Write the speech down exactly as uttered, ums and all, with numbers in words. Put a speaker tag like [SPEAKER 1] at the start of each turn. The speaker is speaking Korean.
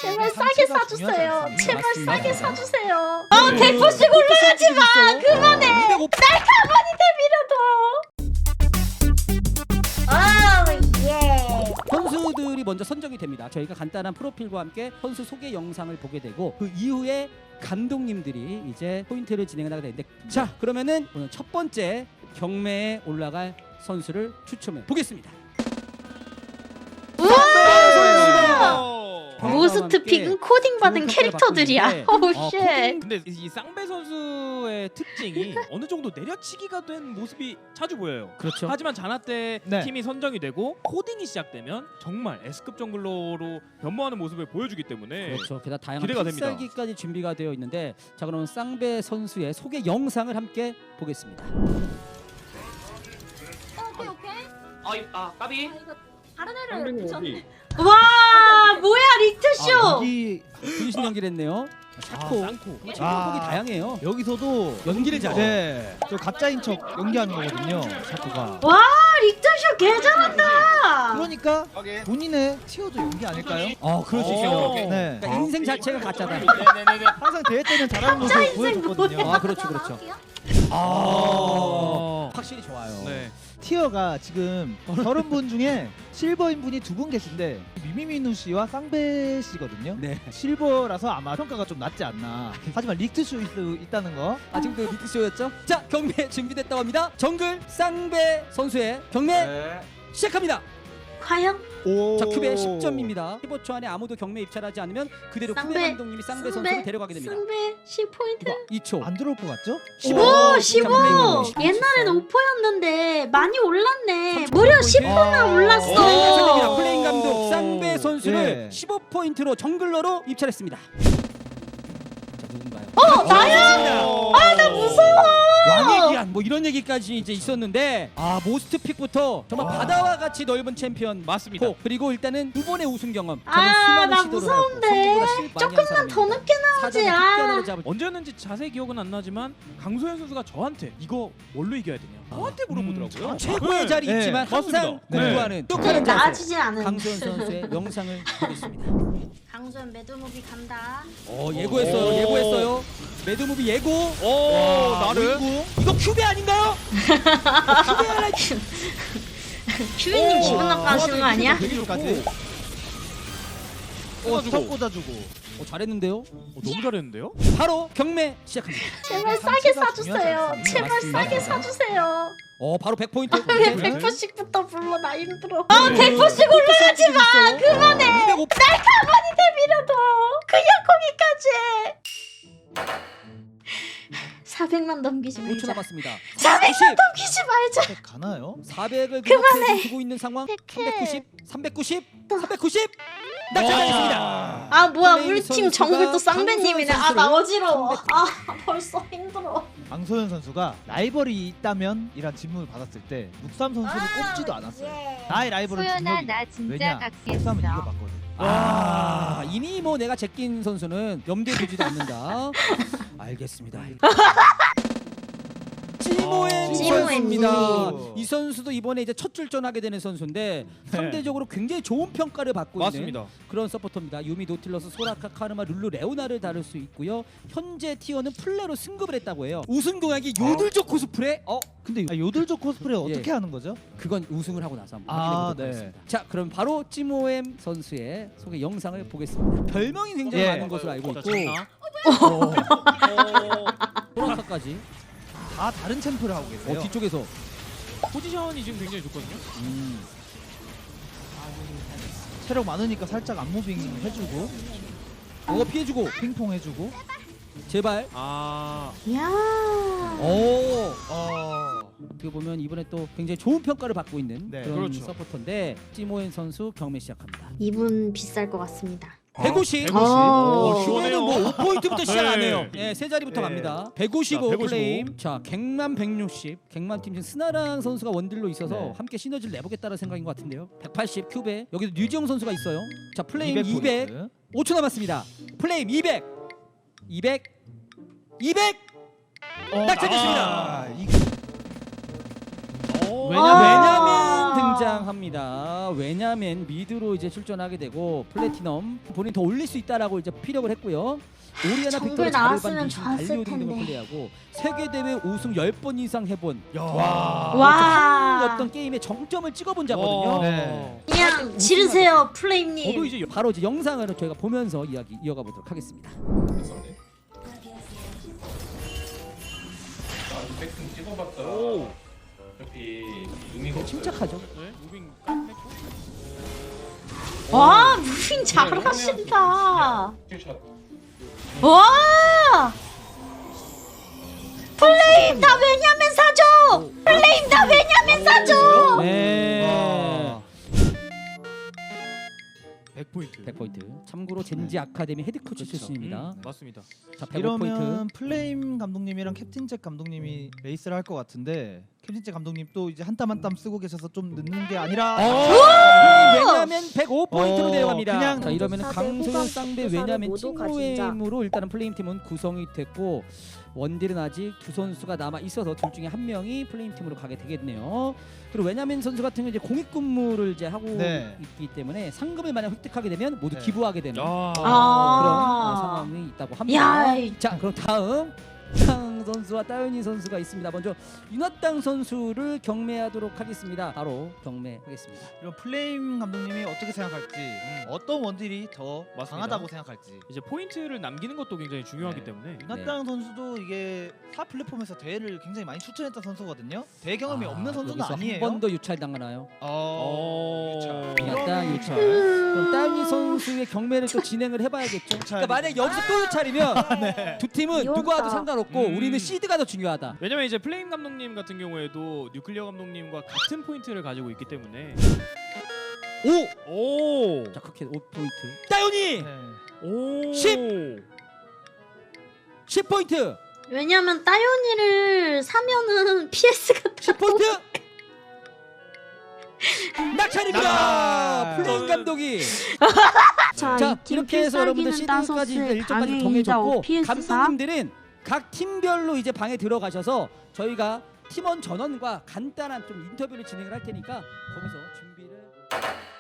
[SPEAKER 1] 제발 싸게 사주세요. 제발
[SPEAKER 2] 맞습니다.
[SPEAKER 1] 싸게 사주세요. 어, 대포씩 올라가지 마. 그만해. 날 가만히 내밀어도. 아, 예.
[SPEAKER 2] 선수들이 먼저 선정이 됩니다. 저희가 간단한 프로필과 함께 선수 소개 영상을 보게 되고 그 이후에 감독님들이 이제 포인트를 진행을 하게 되는데 자 그러면은 오늘 첫 번째 경매에 올라갈 선수를 추첨해 보겠습니다.
[SPEAKER 1] 모스트 픽은 코딩 받은 캐릭터들이야. 오우
[SPEAKER 2] 어,
[SPEAKER 1] 쉣.
[SPEAKER 3] 근데 이 쌍배 선수의 특징이 어느 정도 내려치기가 된 모습이 자주 보여요.
[SPEAKER 2] 그렇죠.
[SPEAKER 3] 하지만 자나 때
[SPEAKER 4] 네.
[SPEAKER 3] 팀이 선정이 되고 코딩이 시작되면 정말 S급 정글러로 변모하는 모습을 보여주기 때문에
[SPEAKER 2] 그렇죠. 게다가 다양한
[SPEAKER 3] 기대가 됩니다.
[SPEAKER 2] 필살기까지 준비가 되어 있는데 자 그러면 쌍배 선수의 소개 영상을 함께 보겠습니다.
[SPEAKER 1] 오케이 오케이.
[SPEAKER 5] 아, 이- 아 까비.
[SPEAKER 1] 다른 애를 붙였네.
[SPEAKER 5] 어디?
[SPEAKER 1] 와 뭐야 리트쇼.
[SPEAKER 4] 아, 여기
[SPEAKER 2] 분신 연기를 했네요. 샤코.
[SPEAKER 3] 아, 쌍코.
[SPEAKER 2] 체력폭이
[SPEAKER 4] 아.
[SPEAKER 2] 다양해요.
[SPEAKER 4] 여기서도
[SPEAKER 2] 연기를 잘해.
[SPEAKER 4] 네, 저 가짜인 척 연기하는 거거든요. 샤코가.
[SPEAKER 1] 와 리트쇼 개 잘한다.
[SPEAKER 4] 그러니까 본인의 티어도 연기 아닐까요?
[SPEAKER 2] 어 그럴 수
[SPEAKER 3] 오.
[SPEAKER 2] 있어요.
[SPEAKER 4] 네.
[SPEAKER 2] 그러니까 인생 자체가 가짜다.
[SPEAKER 3] 네네네네.
[SPEAKER 4] 항상 대회 때는 잘하는 모습
[SPEAKER 1] 인생
[SPEAKER 4] 보여줬거든요.
[SPEAKER 2] 아 그렇죠 그렇죠. 아
[SPEAKER 3] 어.
[SPEAKER 2] 확실히 좋아요.
[SPEAKER 3] 네.
[SPEAKER 4] 티어가 지금 서른 분 중에 실버인 분이 두 분 계신데 미미미누 씨와 쌍배 씨거든요.
[SPEAKER 2] 네.
[SPEAKER 4] 실버라서 아마 평가가 좀 낮지 않나. 하지만 리트쇼 있, 있다는 거.
[SPEAKER 2] 아직도 리트쇼였죠? 자 경매 준비됐다고 합니다. 정글 쌍배 선수의 경매
[SPEAKER 5] 네.
[SPEAKER 2] 시작합니다.
[SPEAKER 1] 과연
[SPEAKER 4] 오.
[SPEAKER 2] 자 큐베 십 점입니다. 십오 초 안에 아무도 경매 입찰하지 않으면 그대로
[SPEAKER 1] 쌍배,
[SPEAKER 2] 큐베 감독님이 쌍배 선수를 데려가게 됩니다.
[SPEAKER 1] 승배 십 포인트.
[SPEAKER 2] 이 초.
[SPEAKER 4] 안 들어올 것 같죠?
[SPEAKER 1] 오 십오.
[SPEAKER 2] 오.
[SPEAKER 1] 옛날에는 오 포였는데 많이 올랐네. 무려 십 포나
[SPEAKER 4] 오.
[SPEAKER 1] 올랐어.
[SPEAKER 2] 오. 플레인 감독 쌍배 선수를
[SPEAKER 4] 예.
[SPEAKER 2] 십오 포인트로 정글러로 입찰했습니다. 자 누군가요?
[SPEAKER 1] 어 나야.
[SPEAKER 2] 아
[SPEAKER 1] 나 무서워.
[SPEAKER 2] 왕의 귀환 뭐 이런 얘기까지 이제 있었는데 아 모스트 픽부터 정말 바다와 같이 넓은 챔피언
[SPEAKER 3] 맞습니다.
[SPEAKER 2] 코 그리고 일단은 두 번의 우승 경험 저는
[SPEAKER 1] 아,
[SPEAKER 2] 수많은
[SPEAKER 1] 나
[SPEAKER 2] 시도를
[SPEAKER 1] 무서운데.
[SPEAKER 2] 하고 성공보다 실 많이 한
[SPEAKER 1] 조금만
[SPEAKER 2] 사람입니다.
[SPEAKER 1] 더 늦게 나오지.
[SPEAKER 2] 사전에
[SPEAKER 1] 아.
[SPEAKER 2] 픽견으로 잡을
[SPEAKER 3] 언제였는지 자세히 기억은 안 나지만 강소연 선수가 저한테 이거 뭘로 이겨야 되냐 저한테 물어보더라고요.
[SPEAKER 4] 음,
[SPEAKER 2] 최고의
[SPEAKER 3] 네.
[SPEAKER 2] 자리
[SPEAKER 4] 네,
[SPEAKER 2] 있지만
[SPEAKER 3] 맞습니다.
[SPEAKER 2] 항상
[SPEAKER 3] 네.
[SPEAKER 2] 공부하는
[SPEAKER 1] 네,
[SPEAKER 2] 똑하는 자세
[SPEAKER 1] 나아지진 않은.
[SPEAKER 2] 강소연 선수의 영상을 보겠습니다.
[SPEAKER 1] 강소연 매드무비 간다.
[SPEAKER 2] 어 예고했어요
[SPEAKER 3] 오.
[SPEAKER 2] 예고했어요 매드무비 예고
[SPEAKER 3] 오
[SPEAKER 2] 와,
[SPEAKER 3] 나를
[SPEAKER 2] 우이구. 이거 큐베 아닌가요? 큐베 하나
[SPEAKER 1] 큐비님 기분 나빠하시는 거 아니야?
[SPEAKER 4] 여기까지. 어,
[SPEAKER 3] 꽂아주고.
[SPEAKER 4] 스톱 꽂아주고.
[SPEAKER 2] 어, 잘했는데요?
[SPEAKER 3] 어, 너무 잘했는데요?
[SPEAKER 2] 바로 경매 시작합니다.
[SPEAKER 1] 제발 싸게
[SPEAKER 4] 상체가
[SPEAKER 1] 사주세요.
[SPEAKER 4] 중요하지
[SPEAKER 1] 제발
[SPEAKER 2] 않습니다.
[SPEAKER 1] 싸게 사주세요.
[SPEAKER 2] 어 바로 백 포인트.
[SPEAKER 1] 왜 백 포씩부터 불러 나 힘들어. 아 백 포씩 올라가지 마. 그만해. 날 가만히 내밀어도 그냥 거기까지. 사백만 넘기지
[SPEAKER 2] 오 초
[SPEAKER 1] 말자.
[SPEAKER 2] 남았습니다.
[SPEAKER 1] 사백만 넘기지 말자.
[SPEAKER 4] 가나요?
[SPEAKER 2] 사백을
[SPEAKER 1] 그만해.
[SPEAKER 2] 두고 있는 상황.
[SPEAKER 1] 백해.
[SPEAKER 2] 삼백구십, 삼백구십, 삼백구십. 낙찰당했습니다.
[SPEAKER 1] 아 뭐야
[SPEAKER 2] 플레이
[SPEAKER 1] 우리 팀
[SPEAKER 2] 선수가
[SPEAKER 1] 정글 또 쌍배님이네. 아 나
[SPEAKER 2] 강소연
[SPEAKER 1] 어지러워. 아 벌써 힘들어.
[SPEAKER 4] 강소연 선수가 라이벌이 있다면 이란 질문을 받았을 때 묵삼 선수를 꼽지도 않았어요.
[SPEAKER 1] 예.
[SPEAKER 4] 나의 라이벌은
[SPEAKER 6] 소연아
[SPEAKER 4] 준혁이.
[SPEAKER 6] 나 진짜
[SPEAKER 4] 왜냐? 묵삼은
[SPEAKER 6] 각시했어.
[SPEAKER 4] 이겨봤거든.
[SPEAKER 2] 아 이미 뭐 내가 제낀 선수는 염두에 두지도 않는다. 알겠습니다. 찌모엔
[SPEAKER 1] 찌모엔
[SPEAKER 2] 선수입니다.
[SPEAKER 4] 선수.
[SPEAKER 2] 이 선수도 이번에 이제 첫 출전하게 되는 선수인데 상대적으로 굉장히 좋은 평가를 받고
[SPEAKER 3] 맞습니다.
[SPEAKER 2] 있는 그런 서포터입니다. 유미, 노틸러스, 소라카, 카르마, 룰루, 레오나를 다룰 수 있고요. 현재 티어는 플레로 승급을 했다고 해요. 우승 공약이 요들족 코스프레. 어 근데
[SPEAKER 4] 아, 요들족 코스프레
[SPEAKER 2] 예.
[SPEAKER 4] 어떻게 하는 거죠?
[SPEAKER 2] 그건 우승을 하고 나서 한번
[SPEAKER 4] 아,
[SPEAKER 2] 확인해 보도록
[SPEAKER 4] 네.
[SPEAKER 2] 하겠습니다. 자, 그럼 바로 찌모엠 선수의 소개 영상을 보겠습니다. 별명이 굉장히
[SPEAKER 4] 예.
[SPEAKER 2] 많은 것으로 알고
[SPEAKER 3] 자,
[SPEAKER 2] 있고
[SPEAKER 3] 장난.
[SPEAKER 2] 어, 소라카까지
[SPEAKER 4] 다 다른 챔프를 하고 계세요.
[SPEAKER 2] 어, 뒤쪽에서
[SPEAKER 3] 포지션이 지금 굉장히 좋거든요.
[SPEAKER 2] 음.
[SPEAKER 4] 체력 많으니까 살짝 안무빙 해주고
[SPEAKER 2] 이거 피해주고
[SPEAKER 4] 핑퐁 해주고.
[SPEAKER 2] 제발.
[SPEAKER 3] 아
[SPEAKER 1] 야.
[SPEAKER 2] 오.
[SPEAKER 4] 어.
[SPEAKER 2] 어떻게 보면 이번에 또 굉장히 좋은 평가를 받고 있는
[SPEAKER 4] 네,
[SPEAKER 2] 그런
[SPEAKER 3] 그렇죠.
[SPEAKER 2] 서포터인데 찌모엔 선수 경매 시작합니다.
[SPEAKER 1] 이분 비쌀 것 같습니다.
[SPEAKER 2] 백오십.
[SPEAKER 3] 백오십.
[SPEAKER 1] 어.
[SPEAKER 2] 오,
[SPEAKER 3] 시원해요.
[SPEAKER 2] 뭐 오 포인트부터 시작 안 해요.
[SPEAKER 3] 네.
[SPEAKER 2] 예, 세 자리부터
[SPEAKER 4] 네.
[SPEAKER 2] 갑니다. 백오십오
[SPEAKER 3] 자, 백오십오.
[SPEAKER 2] 플레임. 자, 갱만 백육십. 갱만 팀 지금 스나랑 선수가 원딜로 있어서
[SPEAKER 4] 네.
[SPEAKER 2] 함께 시너지를 내보겠다는 생각인 것 같은데요. 백팔십 큐베. 여기도 류지영 선수가 있어요. 자, 플레임
[SPEAKER 4] 이백
[SPEAKER 2] 이백.
[SPEAKER 4] 포인트.
[SPEAKER 2] 오 초 남았습니다. 플레임 이백. 이백. 이백.
[SPEAKER 4] 어,
[SPEAKER 2] 낙찰됐습니다.
[SPEAKER 4] 아, 이
[SPEAKER 2] 왜냐면,
[SPEAKER 1] 아.
[SPEAKER 2] 왜냐면 등장 합니다. 왜냐하면 미드로 이제 출전하게 되고 플래티넘 본인 더 올릴 수 있다라고 이제 피력을 했고요. 오리아나
[SPEAKER 1] 정글
[SPEAKER 2] 빅토르
[SPEAKER 1] 나왔으면
[SPEAKER 2] 자르반
[SPEAKER 1] 좋았을
[SPEAKER 2] 달리오 등등을
[SPEAKER 1] 텐데.
[SPEAKER 2] 플레이하고 세계 대회 우승 열 번 이상 해본
[SPEAKER 3] 와.
[SPEAKER 1] 와.
[SPEAKER 2] 어떤 게임에 정점을 찍어본 자거든요.
[SPEAKER 4] 네.
[SPEAKER 1] 그냥 지르세요 플레임님.
[SPEAKER 3] 저도 이제
[SPEAKER 2] 바로 이제 영상을 저희가 보면서 이야기 이어가 보도록 하겠습니다.
[SPEAKER 5] 백승 찍어봤자
[SPEAKER 3] 오.
[SPEAKER 5] 어차피 의미가 없어요.
[SPEAKER 2] 침착하죠.
[SPEAKER 3] 네, 무빙 했고.
[SPEAKER 1] 와 무빙 잘하신다.
[SPEAKER 5] 킬샷.
[SPEAKER 1] 와. 플레임 다 왜냐면 사줘. 플레임 다 왜냐면 사줘.
[SPEAKER 2] 네.
[SPEAKER 4] 와.
[SPEAKER 3] 백 포인트.
[SPEAKER 2] 백 포인트. 참고로 젠지 아카데미 헤드코치
[SPEAKER 3] 그렇죠.
[SPEAKER 2] 출신입니다.
[SPEAKER 3] 음, 맞습니다.
[SPEAKER 2] 자, 백오 포인트.
[SPEAKER 4] 이러면 플레임 감독님이랑 캡틴 잭 감독님이 레이스를 할 것 같은데 캡틴 잭 감독님 또 이제 한 땀 한 땀 쓰고 계셔서 좀 늦는 게 아니라
[SPEAKER 2] 왜냐하면 백오 포인트로
[SPEAKER 4] 어,
[SPEAKER 2] 내려갑니다.
[SPEAKER 4] 그냥
[SPEAKER 2] 자, 이러면
[SPEAKER 1] 사대
[SPEAKER 2] 강소연
[SPEAKER 1] 후반
[SPEAKER 2] 쌍배
[SPEAKER 1] 축구사를
[SPEAKER 2] 왜냐하면
[SPEAKER 1] 모두 가진 자.
[SPEAKER 2] 찐로엠으로 일단은 플레임 팀은 구성이 됐고 원딜은 아직 두 선수가 남아 있어서 둘 중에 한 명이 플레임 팀으로 가게 되겠네요. 그리고 왜냐하면 선수 같은 경우 이제 공익 근무를 이제 하고
[SPEAKER 4] 네.
[SPEAKER 2] 있기 때문에 상금을 만약 획득하게 되면 모두
[SPEAKER 4] 네.
[SPEAKER 2] 기부하게 되는
[SPEAKER 3] 야.
[SPEAKER 2] 그런
[SPEAKER 1] 아.
[SPEAKER 2] 어, 상황이 있다고 합니다.
[SPEAKER 1] 야, 이-
[SPEAKER 2] 자, 그럼 다음 윤하땅 선수와 따윤이 선수가 있습니다. 먼저 윤하땅 선수를 경매하도록 하겠습니다. 바로 경매하겠습니다.
[SPEAKER 4] 이런 플레임 감독님이 어떻게 생각할지 어떤 원딜이 더
[SPEAKER 3] 맞습니다.
[SPEAKER 4] 강하다고 생각할지
[SPEAKER 3] 이제 포인트를 남기는 것도 굉장히 중요하기
[SPEAKER 4] 네.
[SPEAKER 3] 때문에
[SPEAKER 4] 윤하땅 선수도 이게 타 플랫폼에서 대회를 굉장히 많이 출전했던 선수거든요. 대회 경험이
[SPEAKER 2] 아,
[SPEAKER 4] 없는 선수는
[SPEAKER 2] 여기서
[SPEAKER 4] 아니에요.
[SPEAKER 2] 한 번 더 유찰 당하나요?
[SPEAKER 4] 어...
[SPEAKER 3] 어.
[SPEAKER 2] 윤하땅 유찰. 그럼 따윤이 선수의 경매를 또 진행을 해봐야겠죠. 그러니까 만약 여기서 또 유찰이면 두 팀은
[SPEAKER 1] 귀엽다.
[SPEAKER 2] 누구와도 상관없고
[SPEAKER 3] 음.
[SPEAKER 2] 우리는 시드가 더 중요하다.
[SPEAKER 3] 왜냐면 이제 플레임 감독님 같은 경우에도 뉴클리어 감독님과 같은 포인트를 가지고 있기 때문에
[SPEAKER 2] 오!
[SPEAKER 3] 오.
[SPEAKER 2] 자, 그렇게 오 포인트. 따윤이
[SPEAKER 4] 네.
[SPEAKER 3] 오.
[SPEAKER 2] 십! 십 포인트.
[SPEAKER 1] 왜냐면 따윤이를 사면은 피에스가
[SPEAKER 2] 십 포인트. 낙찰입니다.
[SPEAKER 4] 낙찰.
[SPEAKER 2] 플레임 감독이.
[SPEAKER 1] 자,
[SPEAKER 2] 자,
[SPEAKER 1] 이팀
[SPEAKER 2] 이렇게 해서 여러분들
[SPEAKER 1] 필살기는
[SPEAKER 2] 시즌까지
[SPEAKER 1] 따소스
[SPEAKER 2] 일정까지
[SPEAKER 1] 강의
[SPEAKER 2] 정해졌고
[SPEAKER 1] 이다 피에스 사.
[SPEAKER 2] 감독님들은 각 팀별로 이제 방에 들어가셔서 저희가 팀원 전원과 간단한 좀 인터뷰를 진행을 할 테니까 거기서 준비를